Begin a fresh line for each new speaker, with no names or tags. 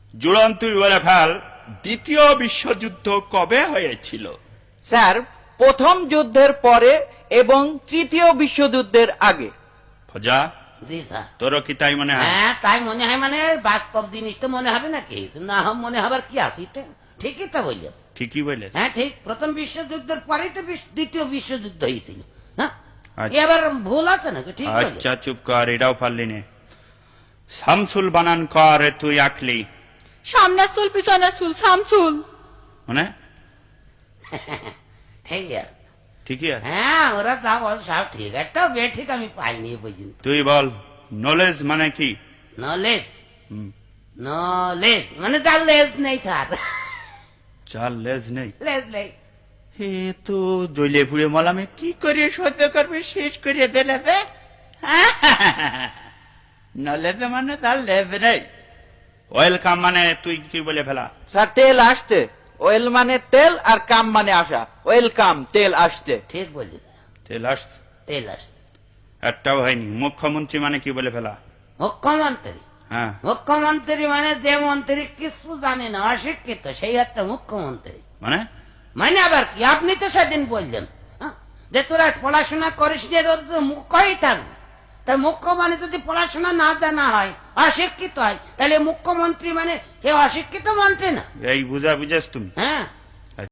জুড়ন তুই বলে ফেল, দ্বিতীয় বিশ্বযুদ্ধ কবে হয়েছিল?
স্যার, প্রথম যুদ্ধের পরে এবং তৃতীয় বিশ্বযুদ্ধের আগে।
ফজা,
জি স্যার।
তোরও কি তাই মনে হয়?
হ্যাঁ, তাই মনে হয়। মানে বাস্তব জিনিস তো মনে হবে নাকি? না মনে হবার কি আছে? ঠিকই তো বলিস।
ঠিকই বলেছ।
হ্যাঁ ঠিক, প্রথম বিশ্বযুদ্ধের পরেই তো দ্বিতীয় বিশ্বযুদ্ধ হয়েছিল। হ্যাঁ,
আচ্ছা।
এবার ভুল আছে নাকি? ঠিক বলেছ।
আচ্ছা চুপ কর, এটাও পারলি নে। শামসুল বানান কর, তুই আঁকলি
সামনের চুল পিছনের চুল শামসুল।
মানে
এই আর।
ঠিকই আছে।
হ্যাঁ, ওরা যা বল সব ঠিক, একটা বে ঠিক আমি পাইনি এই পর্যন্ত।
তুই বল, নলেজ মানে কি?
নলেজ,
হুম,
নলেজ মানে যার লেজ নেই স্যার।
চার লেজ নেই।
লেজ নেই।
এ তো জ্বলে পুড়ে মলামে কি করে সহ্য করবে, শেষ করে দিলে বে। নলেজ মানে তার লেজ নেই। ওয়েলকাম মানে তুই কি বলে ফেলা?
স্যার, তেল আসতে। ওয়েল মানে তেল আর কাম মানে আসা। ওয়েলকাম, তেল আসতে।
ঠিক বলিস।
তেল আসছে,
তেল আসছে।
একটাও হয়নি। মুখ্যমন্ত্রী মানে কি বলে ফেলা?
মুখ্যমন্ত্রী,
হ্যাঁ,
মুখ্যমন্ত্রী মানে যে মন্ত্রী কিছু জানে না, অশিক্ষিত, সেই হচ্ছে মুখ্যমন্ত্রী।
মানে
মানে আবার কি? আপনি তো সেদিন বললেন যে তোরা পড়াশোনা করিস নি, তোর তো মুখ্যই থাকবে। তাই মুখ্য মানে যদি পড়াশোনা না জানা হয়, অশিক্ষিত হয়, তাহলে মুখ্যমন্ত্রী মানে সে অশিক্ষিত মন্ত্রী না।
এই বুঝা বুঝেছ তুমি?
হ্যাঁ,